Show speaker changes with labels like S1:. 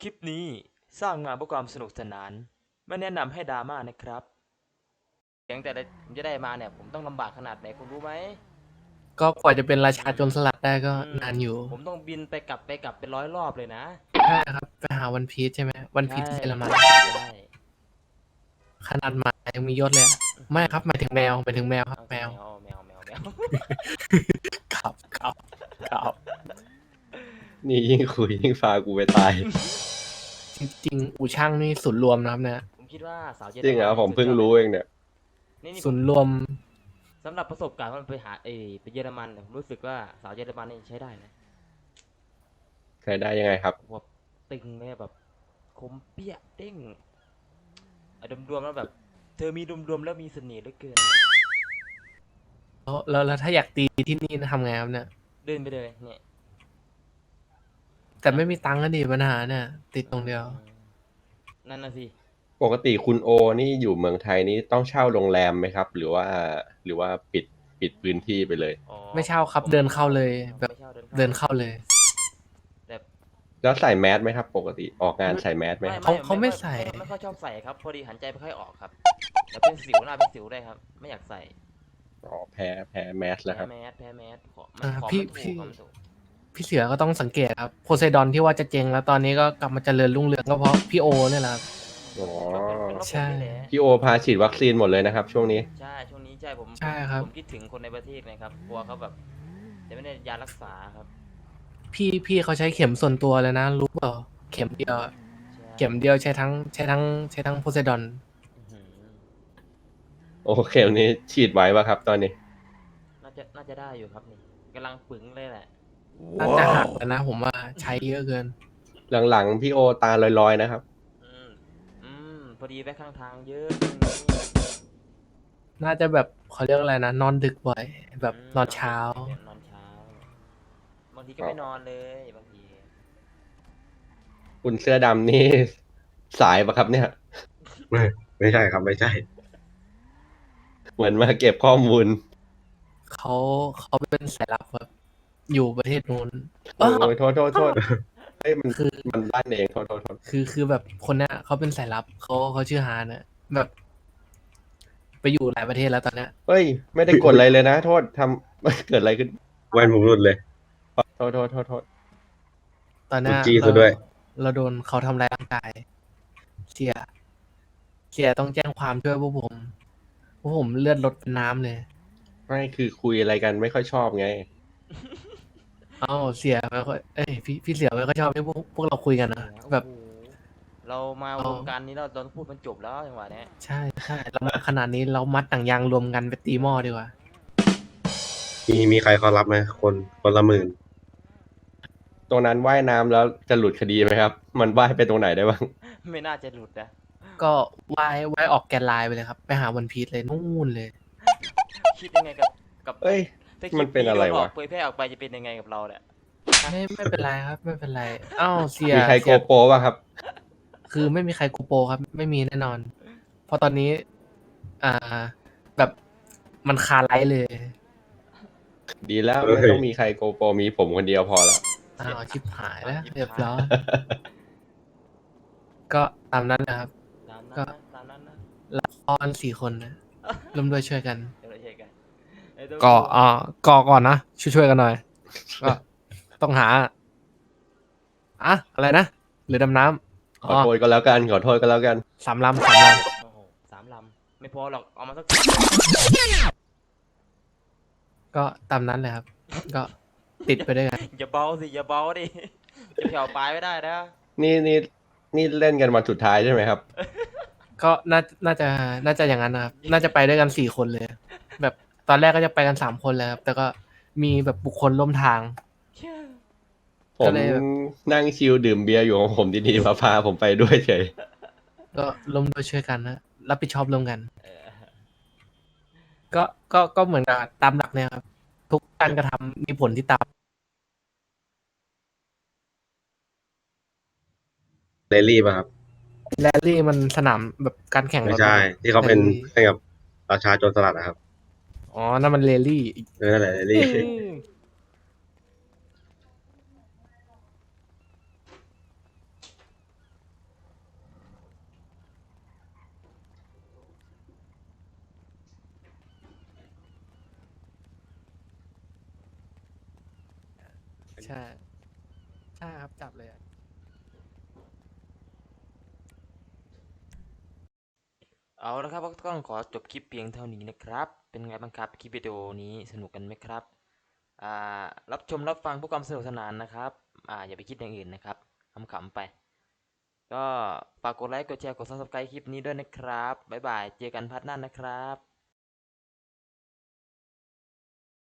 S1: คลิปนี้สร้างมาเพื่อความสนุกสนานไม่แนะนำให้ดราม่านะครับเสียงแต่ละผมจะได้มาเนี่ยผมต้องลำบากขนาดไหนคุณรู้ไหม
S2: ก็กว่าจะเป็นราชาโจรสลัดได้ก็
S1: อืม
S2: นานอยู่
S1: ผมต้องบินไปกลับเป็น100 รอบเลยนะ
S2: ใช่ครับไปหาวันพีชใช่ไหมวันพี
S1: ใช่
S2: ชที่เยอรมัน
S1: ใช่
S2: ขนาดหมายังมียศเลยอะไม่ครับหมายถึงแมวหมายถึงแมวครับ
S1: เอา
S2: แมว
S1: แมวแมว
S2: ครับ
S3: นี่ยิ่งคุยยิ่งพากูไปตาย
S2: จริงๆอู่ช่างนี่ศูนย์รวมนะครับเนี่ย
S1: ผมคิดว่าสาวเยอ
S3: จริงเหร
S1: รมัน
S3: อผมเพิ่ง
S1: นี่สุดยอดเลย
S3: รู้เองเนี่ย
S1: นี่ผม
S2: ศูนย์รวม
S1: สำหรับประสบการณ์ว่าไปหาไปเยอรมันเนี่ยผมรู้สึกว่าสาวเยอรมันนี่ใช้ได้นะ
S3: เคยได้ยังไงครับ
S1: แบบตึงเลยแบบคมเปี้ยเด้งรวมๆแล้วแบบเธอมีรวมๆแล้วมีเสน่ห์เหลือเกิน
S2: แล้วถ้าอยากตีที่นี่ทำไงครับเนี่ย
S1: เดินไปเลยเนี่ย
S2: แต่
S1: นะ
S2: ไม่มีตังค์ก็ดีปัญหาเนี่ยติดตรงเดียว
S1: นั่นน่ะสิ
S3: ปกติคุณโอนี่อยู่เมืองไทยนี่ต้องเช่าโรงแรมไหมครับหรือว่าปิดพื้นที่ไปเลย
S1: อ๋อ
S2: ไม่เช่าครับ
S1: ผม
S2: เดินเข้าเลยแบบ
S1: ไม่เช่าเดิน
S2: เดิ
S1: เข้า
S2: นเข้าเลย
S1: แต่
S3: แล้วใส่แมสไหมครับปกติออกงานใส่แมสไหมครับ
S2: เขาไม่ใส่
S1: ไม่ค่อยชอบใส่ครับพอดีหันใจไม่ค่อยออกครับแล้วเป็นสิวหน้าเป็นสิวได้วยครับไม่อยากใส่
S3: อ๋อแพ้แมสแล้วครับ
S1: แพ้แมสขอมัน
S2: อ่า
S1: ของ
S2: พี่
S1: มันถูก
S2: พี่
S1: ของมันถูก
S2: พี่เสือก็ต้องสังเกตครับโพไซดอนที่ว่าจะเจ๊งแล้วตอนนี้ก็กลับมาเจริญรุ่งเรืองก็เพราะพี่โอเนี่ยแหละครับ
S3: อ๋อ
S1: ก็เป็นเพราะผม
S2: ใช่
S1: นี่แหละ
S3: พี่โอพาฉีดวัคซีนหมดเลยนะครับช่วงนี้
S1: ใช่ช่วงนี้ใช่ผมผ
S2: ใช่
S1: ม
S2: ครับ
S1: ผมคิดถึงคนในประเทศนะครับกลัวเขาแบบจะไม่ได้ยารักษาครับ
S2: พี่เขาใช้เข็มส่วนตัวเลยนะรู้เปล่าเข็มเดียวอะ
S1: ใช่
S2: เข็มเดียวใช้ทั้งโพไซดอน
S1: อื้อหือ
S3: โอเควันนี้ฉีดไว้ป่ะครับตอนนี้
S1: น่าจะได้อยู่ครับนี่กำลังปึงเลยแหละ
S2: น่าจะหักแล้วนะผมว่าใช้เยอะเกิน
S3: หลังๆพี่โอตาลอยๆนะครับ
S1: อืมพอดีไปข้างทางเยอะ
S2: น่าจะแบบเขาเรียกอะไรนะนอนดึกบ่อยแบบนอน
S1: นอนดึ
S2: เช้า
S1: กเนี่ยนอนเช้าบางทีก็
S3: อ๋อ
S1: ไม่นอนเลยบางที
S3: คุณเสื้อดำนี่สายปะครับเนี่ย
S4: ไม่ไม่ใช่ครับไม่ใช่
S3: เหมือนมาเก็บข้อมูล
S2: เขาเขาเป็นสายลับแบบอยู่ประเทศนู้น
S3: โอ้ยโทษเฮ้ยมัน
S2: คือ
S3: มันลั่นเองโทษ
S2: คือแบบคนเนี้ยเขาเป็นสายลับเขาชื่อฮานนะแบบไปอยู่หลายประเทศแล้วตอนเนี้ย
S3: เฮ้ยไม่ได้กดอะไรเลยนะโทษทำเกิดอะไรขึ้น
S4: แว่นผมหลุดเลย
S3: โทษ
S2: ตอนเนี้ย
S4: ถูกจี้
S2: เรา
S4: ซะด้วย
S2: เราโดนเขาทำร้ายร่างกายเสียเสียต้องแจ้งความช่วยพวกผมเลือดลดเป็นน้ำเลย
S3: ไม่คือคุยอะไรกันไม่ค่อยชอบไง
S2: เอ้าเสียไม่ค่อยเอ้ยพี่เสียไม่ค่อยชอบที่พวกเราคุยกันนะ
S1: โอ้
S2: แบบ
S1: โหเรามา
S2: เอา
S1: วงการนี้เราต้องพูดมันจบแล้วจังหวะเนี้ย
S2: ใช่เรามาขนาดนี้เรามัดหนังยางรวมกันไปตีหม้อดีกว่า
S4: มีใครเขารับไหมคนละ10,000
S3: ตรงนั้นว่ายน้ำแล้วจะหลุดคดีไหมครับมันว่ายไปตรงไหนได้บ้าง
S1: ไม่น่าจะหลุดนะ
S2: ก็ว่ายออกแกนไลน์ไปเลยครับไปหาวันพีชเลยนู่นเลย
S1: คิดยังไงกับ
S3: เอ้ย
S1: ถ้าคลิป
S3: มันเป็น
S1: นี้โดนอ
S3: อะไรวะ
S1: อกเผยแพร่ออกไปจะเป็นยังไงกับเราเนี่ย
S2: ไม่เป็นไรครับไม่เป็นไรเอ้าเสีย
S3: มีใครโก
S2: เสีย
S3: โปรป่ะครับ
S2: คือไม่มีใครกูโปรครับไม่มีแน่นอนเพราะตอนนี้อ่าแบบมันคาไลท์เลย
S3: ดีแล้ว
S4: เฮ้
S3: ไม่
S4: ย
S3: ต้องมีใครโกโปรมีผมคนเดียวพอแล้ว
S2: อ้าวชิบหายแล้ว
S1: ยิบ
S2: เรียบ
S1: หาย
S2: ร้อยก็ตามนั้นนะครับ
S1: ตามนั้น
S2: ก็
S1: นะตามนั้นนะ
S2: ละคร4 คนนะร่วมด้วยช่วยกัน
S1: เดี๋ยวเราเช็คกันไอ้ตัว
S2: ก็ก่อก่อนนะช่วยกันหน่อยก็ต้องหาอะไรนะหรือดำน้ำ
S3: ขอโทษก็แล้วกันขอโทษก็แล้วกัน
S2: 3 ลำ
S1: โอ้โห3 ลำไม่พอหรอกเอามาสัก
S2: ก็ตามนั้นเลยครับ ก็ติดไปด้วยกัน
S1: อย่าเบาสิอย่าเบาดิจะแผ่วปลายไม่ได้นะ
S3: นี่เล่นกันวันสุดท้ายใช่ไหมครับ
S2: ก็น่าจะอย่างนั้นนะครับน่าจะไปด้วยกัน4 คนเลย แบบตอนแรกก็จะไปกัน3 คนเลยครับแต่ก็มีแบบบุคคลร่วมทาง
S3: ผ
S2: ก็
S3: ม
S2: เลยแบบ
S3: นั่งชิลดื่มเบียร์อยู่ของผมดีๆมาพาผมไปด้วยเฉย
S2: ก็ร่วมด้วยช่วยกันนะรับผิดชอบร่วมกัน
S1: เออ
S2: ก็เหมือนกับตามหลักเนี่ยครับทุกการกระทำมีผลที่ตาม
S4: เรลลี่ป่ะครับ
S2: แรลลี่มันสนามแบบการแข่งรถ
S4: ไม่ใช่
S2: นะครับ
S4: ที่เขาเป็น
S2: แรลลี่
S4: แข่งกับราชาโจรสลัดนะครับ
S2: อ๋อนั่นมันเรลลี่
S4: นั่นแหละเรลลี่
S1: อ
S2: ใช่ใช่ครับจับเลยอะ
S1: เอาละครับก็ต้องขอจบคลิปเพียงเท่านี้นะครับ เป็นไงบ้างครับคลิปวิดีโอนี้สนุกกันไหมครับอ่รับชมรับฟังเพื่อความสนุกสนานนะครับอย่าไปคิดอย่างอื่นนะครับขำๆไปก็ฝากกดไลค์กดแชร์กด Subscribe คลิปนี้ด้วยนะครับบ๊ายบายเจอกันพาร์ทหน้านะครับ